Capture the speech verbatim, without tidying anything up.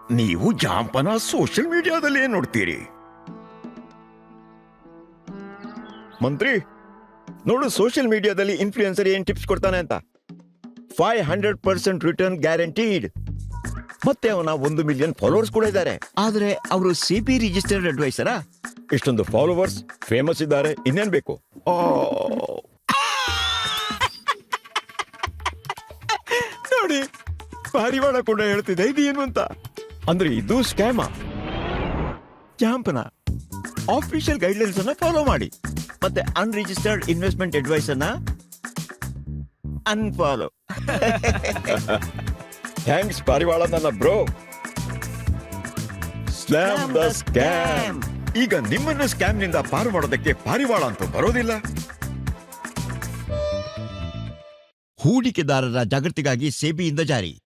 ನೀವು ಜಾಂಪನ ಸೋಷಿಯಲ್ ಮೀಡಿಯಾದಲ್ಲಿ ಏನ್ ನೋಡ್ತೀರಿ? ಮಂತ್ರಿ ನೋಡು, ಸೋಷಿಯಲ್ ಮೀಡಿಯಾದಲ್ಲಿ ಇನ್ಫ್ಲೂಯೆನ್ಸರ್ ಏನ್ ಟಿಪ್ಸ್ ಕೊಡ್ತಾನೆ ಅಂತ. Five hundred percent return guaranteed. ಮತ್ತೆ ಅವನ ಒಂದು ಮಿಲಿಯನ್ ಫಾಲೋವರ್ಸ್ ಕೂಡ ಇದ್ದಾರೆ. ಆದ್ರೆ ಅವರು ಸಿ ಬಿ ರಿಜಿಸ್ಟರ್ಡ್ ಅಡ್ವೈಸರಾ? ಇಷ್ಟೊಂದು ಫಾಲೋವರ್ಸ್, ಫೇಮಸ್ ಇದ್ದಾರೆ, ಇನ್ನೇನ್ ಬೇಕು? ನೋಡಿ, ಪಾರಿವಾಳ ಕೂಡ ಹೇಳ್ತಿದೆ ಇದು ಏನು ಅಂತ. ಅಂದ್ರೆ ಇದು ಸ್ಕ್ಯಾಮ. ಜಾಂಪನ ಆಫಿಷಿಯಲ್ ಗೈಡ್ಲೈನ್ಸ್ ಅನ್ನ ಫಾಲೋ ಮಾಡಿ, ಮತ್ತೆ ಅನ್ರಿಜಿಸ್ಟರ್ಡ್ ಇನ್ವೆಸ್ಟ್ಮೆಂಟ್ ಅಡ್ವೈಸ್ ಅನ್ನ ಅನ್ಫಾಲೋ. ಥ್ಯಾಂಕ್ಸ್ ಪಾರಿವಾಳ ನನ್ನ ಬ್ರೋ. Slam the scam. ಈಗ ನಿಮ್ಮನ್ನು ಸ್ಕ್ಯಾಮ್ ನಿಂದ ಪಾರು ಮಾಡೋದಕ್ಕೆ ಪಾರಿವಾಳ ಅಂತೂ ಬರೋದಿಲ್ಲ. ಹೂಡಿಕೆದಾರರ ಜಾಗೃತಿಗಾಗಿ ಸೆಬಿಯಿಂದ ಜಾರಿ.